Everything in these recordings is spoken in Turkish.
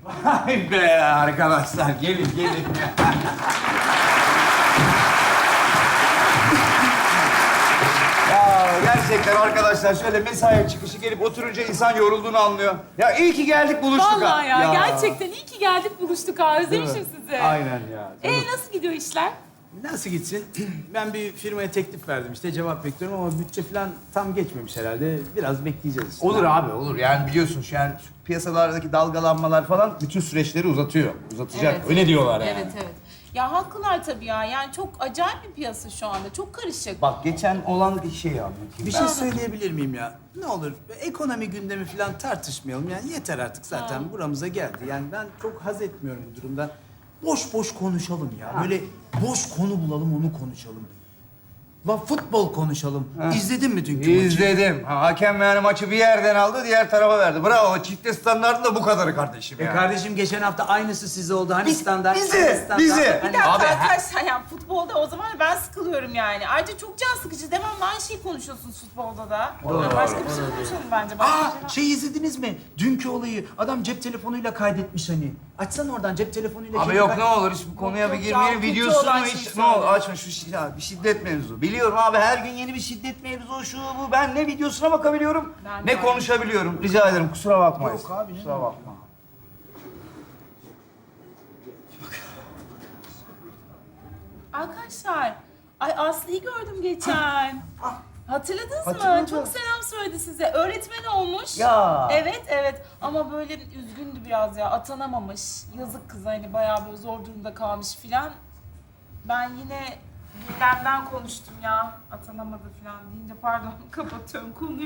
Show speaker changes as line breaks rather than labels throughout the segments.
Vay be arkadaşlar, gelin. Ya gerçekten arkadaşlar şöyle mesai çıkışı gelip oturunca insan yorulduğunu anlıyor. Ya iyi ki geldik buluştuk ha.
Vallahi ya, gerçekten iyi ki geldik buluştuk ha. Özlemişim sizi.
Aynen ya.
Nasıl gidiyor işler?
Nasıl gitsin? Ben bir firmaya teklif verdim işte cevap bekliyorum ama bütçe falan tam geçmemiş herhalde. Biraz bekleyeceğiz işte.
Olur abi olur. Yani biliyorsun şu an şu piyasalardaki dalgalanmalar falan bütün süreçleri uzatıyor. Uzatacak.
Evet.
Öyle diyorlar yani.
Evet. Ya haklılar tabii ya. Yani çok acayip bir piyasa şu anda. Çok karışık.
Bak geçen olan bir şey anlatayım.
Bir şey söyleyebilir miyim ya? Ne olur ekonomi gündemi falan tartışmayalım. Yani yeter artık zaten buramıza geldi. Yani ben çok haz etmiyorum bu durumdan. Boş boş konuşalım ya. Böyle boş konu bulalım onu konuşalım. La futbol konuşalım. İzledin mi dünkü maçı?
İzledim. Hakem yani maçı bir yerden aldı, diğer tarafa verdi. Bravo. Çifte standartın da bu kadarı kardeşim ya.
Kardeşim geçen hafta aynısı size oldu. Hani standart,
bizi.
standart.
Bir
Hani-
dakika
Abi,
arkadaşlar yani futbolda o zaman ben sıkılıyorum yani. Ayrıca çok can sıkıcı. Devamlı aynı şeyi konuşuyorsunuz futbolda da. Yani başka bir şey konuşalım bence.
Şey izlediniz mi? Dünkü olayı. Adam cep telefonuyla kaydetmiş hani. Açsana oradan cep telefonuyla.
Abi
şeyi
yok
kay-
ne olur hiç bu konuya
Yok,
bir
yok
girmeyelim.
ya, kötü
Videosunu
olan
hiç
şeyi
ne olur
söyle.
açma bir şiddet mevzu. Biliyorum abi her gün yeni bir şiddet mevzu şu bu. Ben ne videosuna bakabiliyorum
Ben
ne
de.
konuşabiliyorum. Rica ederim kusura bakmayın.
Yok abi, ne
Kusura bakma.
Arkadaşlar, ay Aslı'yı gördüm geçen. Hatırladınız mı?
Hatırladım.
Çok selam söyledi size. Öğretmen olmuş.
Ya.
Evet. Ama böyle üzgündü biraz ya. Atanamamış. Yazık kız hani bayağı böyle zor durumda kalmış filan. Ben yine gündemden konuştum ya. Atanamadı filan deyince pardon kapatıyorum konuyu.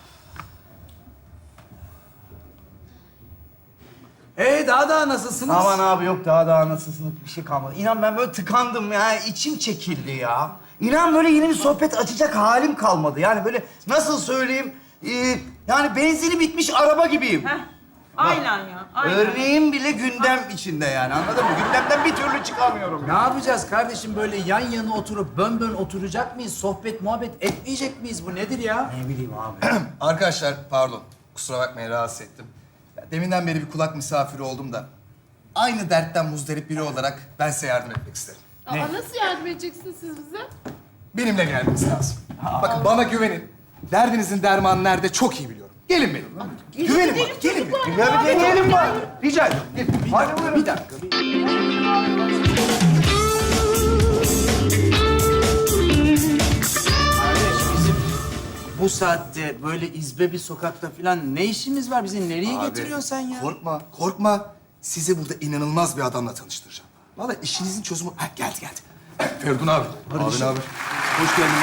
Daha nasılsınız?
Aman abi yok daha nasılsınız bir şey kalmadı. İnan ben böyle tıkandım ya içim çekildi ya. İnan böyle yeni bir sohbet açacak halim kalmadı. Yani böyle nasıl söyleyeyim yani benzini bitmiş araba gibiyim.
Heh, aynen ya. Aynen.
Örneğim bile gündem içinde yani anladın mı? Gündemden bir türlü çıkamıyorum.
Ne yapacağız kardeşim böyle yan yana oturup bön oturacak mıyız? Sohbet muhabbet etmeyecek miyiz? Bu nedir ya?
Ne bileyim abi.
Arkadaşlar pardon. Kusura bakmayın rahatsız ettim. Ya, deminden beri bir kulak misafiri oldum da. Aynı dertten muzdarip biri olarak ben size yardım etmek isterim.
Nasıl yardım edeceksiniz siz bize?
Benimle gelmeniz lazım. Bakın bana güvenin. Derdinizin dermanı nerede çok iyi biliyorum. Gelin benimle. Güvenin bana. Gelin benimle.
Ya bir deneyelim bari. Rica ederim.
Bir dakika. Kardeş bizim bu saatte böyle izbe bir sokakta falan ne işimiz var? Bizi nereye
Abi,
getiriyorsun sen ya?
Korkma. Sizi burada inanılmaz bir adamla tanıştıracağım. Vallahi işinizin çözümü... Ha, geldi. Feridun abi. Abi ne haber?
Hoş geldin.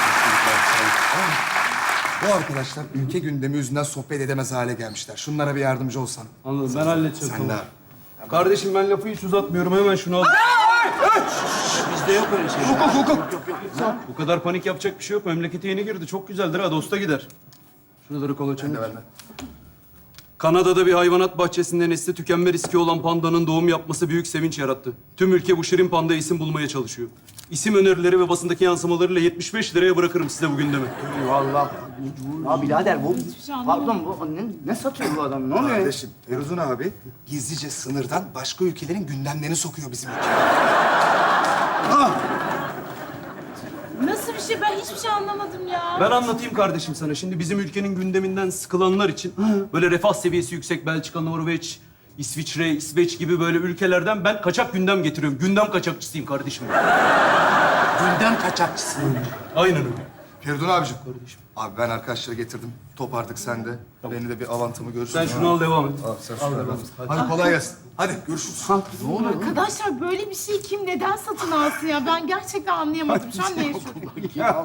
Bu arkadaşlar ülke gündemi yüzünden sohbet edemez hale gelmişler. Şunlara bir yardımcı olsan.
Anladım, ben halledeceğim.
Sen de
Tamam.
abi.
Kardeşim ben lafı hiç uzatmıyorum, hemen şunu al.
Bizde yok öyle şey.
Bu kadar panik yapacak bir şey yok. Memlekete yeni girdi, çok güzeldir ha, dosta gider. Şuraları kolaçanı.
Ben de.
Kanada'da bir hayvanat bahçesinde nesli tükenme riski olan pandanın doğum yapması büyük sevinç yarattı. Tüm ülke bu şirin pandaya isim bulmaya çalışıyor. İsim önerileri ve basındaki yansımalarıyla 75 liraya bırakırım size bu gündemi.
Vallahi. Ya birader bu...
şey anlamadım.
Pardon bu ne satıyor bu adam? Ne oluyor?
Kardeşim, Feridun abi gizlice sınırdan başka ülkelerin gündemlerini sokuyor bizim ülkeye.
Nasıl bir şey? Ben hiçbir şey anlamadım ya.
Ben anlatayım kardeşim sana. Şimdi bizim ülkenin gündeminden sıkılanlar için böyle refah seviyesi yüksek Belçika, Norveç, İsviçre, İsveç gibi böyle ülkelerden ben kaçak gündem getiriyorum. Gündem kaçakçısıyım kardeşim.
Gündem kaçakçısı.
Aynen öyle.
Feridun abicim. Abi ben arkadaşları getirdim. Top artık sende. Beni de bir avantımı görürsün.
Sen şunu al, devam et.
Abi sen şunu al. Hadi kolay gelsin. Hadi görüşürüz.
Arkadaşlar böyle bir şeyi kim neden satın alsın ya? Ben gerçekten anlayamadım. Şu an ne yaşıyorum?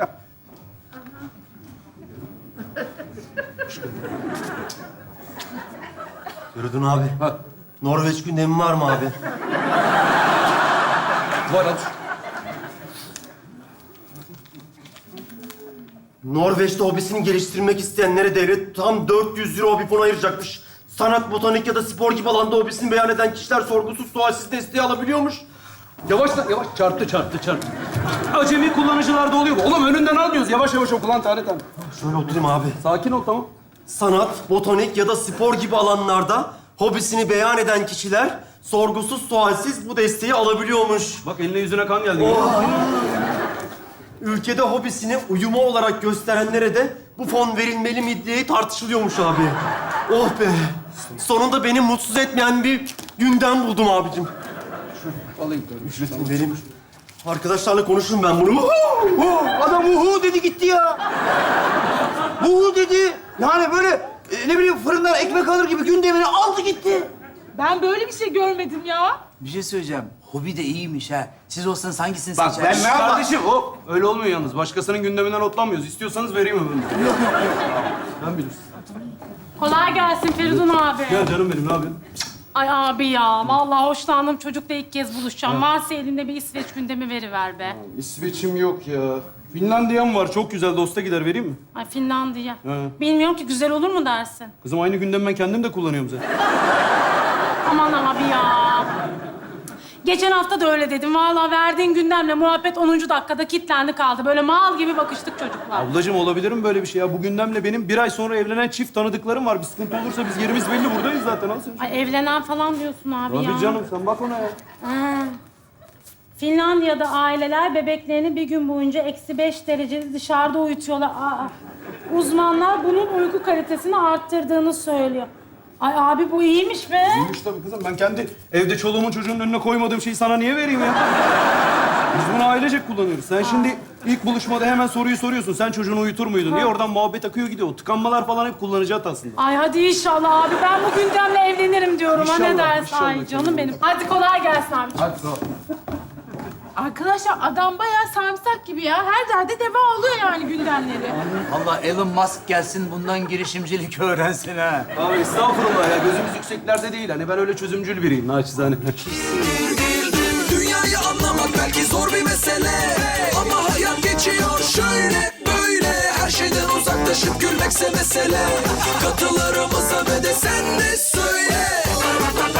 Feridun abi. Norveç gündemi var mı abi?
Var at.
Norveç'te hobisini geliştirmek isteyenlere devlet tam 400 euro bir fon ayıracakmış. Sanat, botanik ya da spor gibi alanda hobisini beyan eden kişiler sorgusuz sualsiz desteği alabiliyormuş.
Yavaş lan, yavaş. Çarptı. Acemi kullanıcılarda oluyor bu. Oğlum önünden almıyoruz. Yavaş oku lan tane.
Şöyle oturayım abi.
Sakin ol, tamam.
Sanat, botanik ya da spor gibi alanlarda hobisini beyan eden kişiler sorgusuz sualsiz bu desteği alabiliyormuş.
Bak eline yüzüne kan geldi. görüyor musun?
Ülkede hobisini uyuma olarak gösterenlere de bu fon verilmeli mi diye tartışılıyormuş abi. Oh be! Sonunda beni mutsuz etmeyen bir gündem buldum abicim.
Alayım tabii.
Benim arkadaşlarla konuşurum ben bunu.
Adam uhu dedi gitti ya. Uhu dedi. Yani böyle ne bileyim fırından ekmek alır gibi gündemini aldı gitti.
Ben böyle bir şey görmedim ya.
Bir şey söyleyeceğim. Hobi de iyiymiş ha. Siz olsanız hangisini
Bak,
seçerdiniz?
ben ne yapayım?
Kardeşim o öyle olmuyor yalnız. Başkasının gündeminden otlanmıyoruz. İstiyorsanız vereyim öbürünü. Yok. Ben bilirsin.
Kolay gelsin Feridun abi.
Gel canım benim ne yapıyorsun?
Ay abi ya, vallahi hoşlandım. Çocukla ilk kez buluşacağım. Varsa elinde bir İsveç gündemi veriver be.
İsveç'im yok ya. Finlandiya'm var. Çok güzel. Dosta gider. Vereyim mi?
Ay Finlandiya.
He.
Bilmiyorum ki güzel olur mu dersin?
Kızım aynı gündemi ben kendim de kullanıyorum zaten.
Aman abi ya. Geçen hafta da öyle dedim. Vallahi verdiğin gündemle muhabbet 10. dakikada kilitlendi kaldı. Böyle mal gibi bakıştık çocuklar.
Ablacığım olabilir mi böyle bir şey ya? Bu gündemle benim bir ay sonra evlenen çift tanıdıklarım var. Bir sıkıntı olursa biz yerimiz belli buradayız zaten. Al sen.
Ay evlenen falan diyorsun abi ya.
Tabii canım sen bak ona ya.
Ha. Finlandiya'da aileler bebeklerini bir gün boyunca -5 derecede dışarıda uyutuyorlar. Uzmanlar bunun uyku kalitesini arttırdığını söylüyor. Ay abi bu iyiymiş be.
İyiymiş tabii kızım. Ben kendi evde çoluğumun çocuğumun önüne koymadığım şeyi sana niye vereyim ya? Biz bunu ailecek kullanıyoruz. Sen şimdi ilk buluşmada hemen soruyu soruyorsun. Sen çocuğunu uyutur muydun diye oradan muhabbet akıyor gidiyor. O tıkanmalar falan hep kullanıcı aslında.
Ay hadi inşallah abi. Ben bu gündemle evlenirim diyorum. Ha ne
İnşallah,
dersin?
inşallah
Ay canım benim. Hadi kolay gelsin abi.
Hadi sağ ol.
Arkadaşlar adam bayağı sarımsak gibi ya. Her derde deva oluyor yani gündemleri.
Allah Elon Musk gelsin bundan girişimcilik öğrensin ha.
Abi estağfurullah ya. Gözümüz yükseklerde değil. Hani ben öyle çözümcül biriyim naçizane.
Dünyayı anlamak belki zor bir mesele, ama hayat geçiyor şöyle böyle. Her şeyden uzaklaşıp gülmekse mesele. Katılarımıza ve de sen de söyle.